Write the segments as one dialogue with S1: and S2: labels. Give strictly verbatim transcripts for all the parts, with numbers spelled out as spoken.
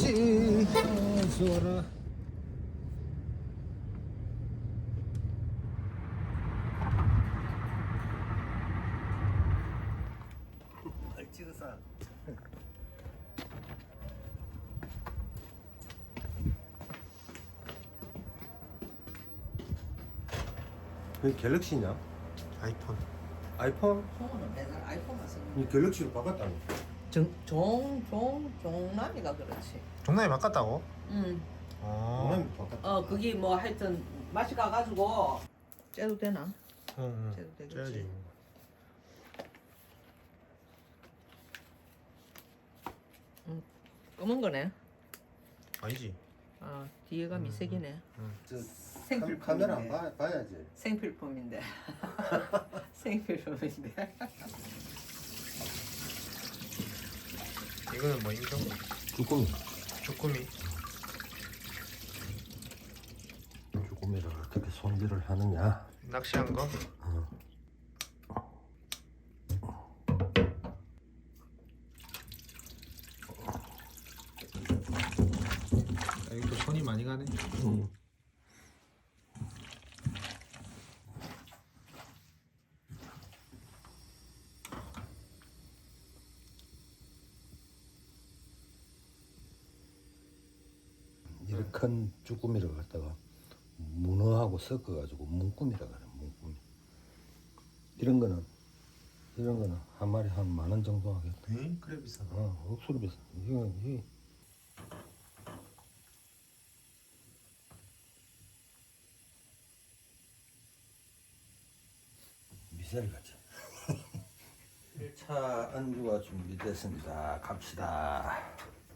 S1: 지 아, 좋아라.
S2: 찍어서
S1: 그 갤럭시냐?
S3: 아이폰.
S1: 아이폰?
S4: 종은 맨날 아이폰만 쓰는
S1: 이 갤럭시로 바꿨다니.
S4: 종종 종남이가 그렇지.
S3: 종남이 바꿨다고?
S4: 응.
S3: 어.
S1: 동남이 바꿨다.
S4: 어 그게 뭐 하여튼 맛이 가가지고 째도 되나?
S3: 응,
S4: 째도
S3: 응.
S4: 되겠지.
S3: 째야지.
S4: 검은 거네.
S3: 아니지.
S4: 아 뒤에가 미색이네.
S1: 저
S4: 생필품인데.
S1: 카- 카메라 안 봐, 봐야지.
S4: 생필품인데. 생필품인데.
S3: 이거는 뭐 인정?
S1: 쭈꾸미.
S3: 주꾸미.
S1: 쭈꾸미를 어떻게 손질을 하느냐?
S3: 낚시한 거? 아, 이거 손이 많이 가네.
S1: 응. 이렇게 큰 쭈꾸미를 갖다가 문어하고 섞어가지고 문꾸미라 그래. 문꾸미. 이런 거는 이런 거는 한 마리 한 만 원 정도 하겠다.
S3: 에이, 그래 비싸.
S1: 어, 억수로 비싸. 이거 이 미사일 같지. 일 차 안주가 준비됐습니다. 갑시다.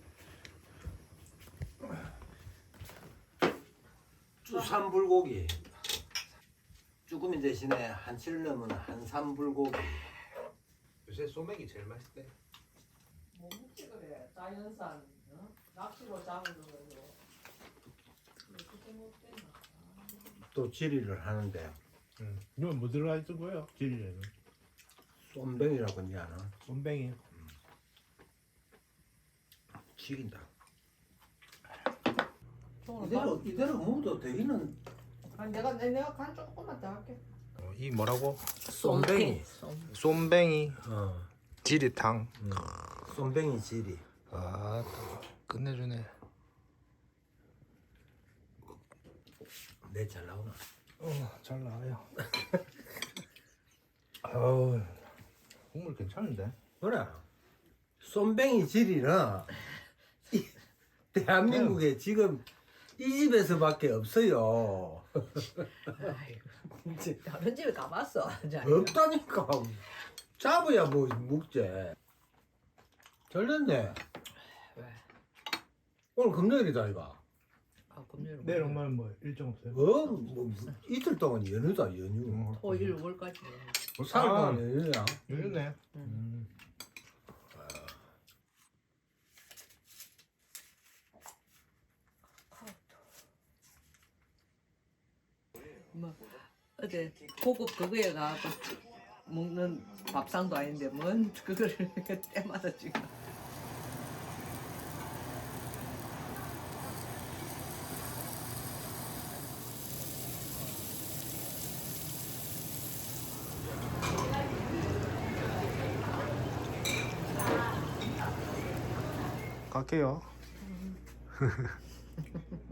S1: 쭈삼불고기. 쭈꾸미 대신에 한치를 넣으면 한삼불고기.
S3: 요새 소맥이 제일 맛있대.
S4: 뭐 먹지 그래. 자연산 어? 낚시로 잡는 거죠. 어떻게 먹대나.
S1: 또 지리를 하는데
S5: 응. 이건 뭐 들어가 있을 거예요? 질리에는
S1: 쏨뱅이라고 하지 않아?
S5: 쏨뱅이.
S1: 죽인다.
S4: 종으로
S1: 이대로 이대로 먹어도 되기는.
S4: 아니 내가 내- 내가 간 조금만 더 할게.
S3: 어, 이 뭐라고?
S1: 쏨뱅이.
S4: 쏨.
S3: 쏨뱅이
S1: 어.
S3: 지리탕.
S1: 음. 쏨뱅이 지리.
S3: 아, 끝내주네.
S1: 내 잘 나오나?
S3: 어, 잘 나와요. 아우, 국물 괜찮은데?
S1: 그래. 쏨뱅이 지리는 이- 대한민국에 지금 이 집에서밖에 없어요.
S4: 아이고.
S1: 이제
S4: 다른 집에 가봤어.
S1: 없다니까. 잡아야 뭐 먹지. 잘 됐네.
S4: 왜?
S1: 오늘 금요일이다 이거.
S4: 아 금요일.
S5: 내일 엄마는 뭐 일정 없어요?
S1: 어? 뭐 이틀 동안 연휴다 연휴.
S4: 토일 월까지.
S1: 사흘
S3: 아.
S1: 동안 연휴야.
S3: 요즘네.
S5: 음.
S4: 뭐 어제 고급 그거에 가고 먹는 밥상도 아닌데 뭔 그거를 때마다 지금.
S3: 갈게요.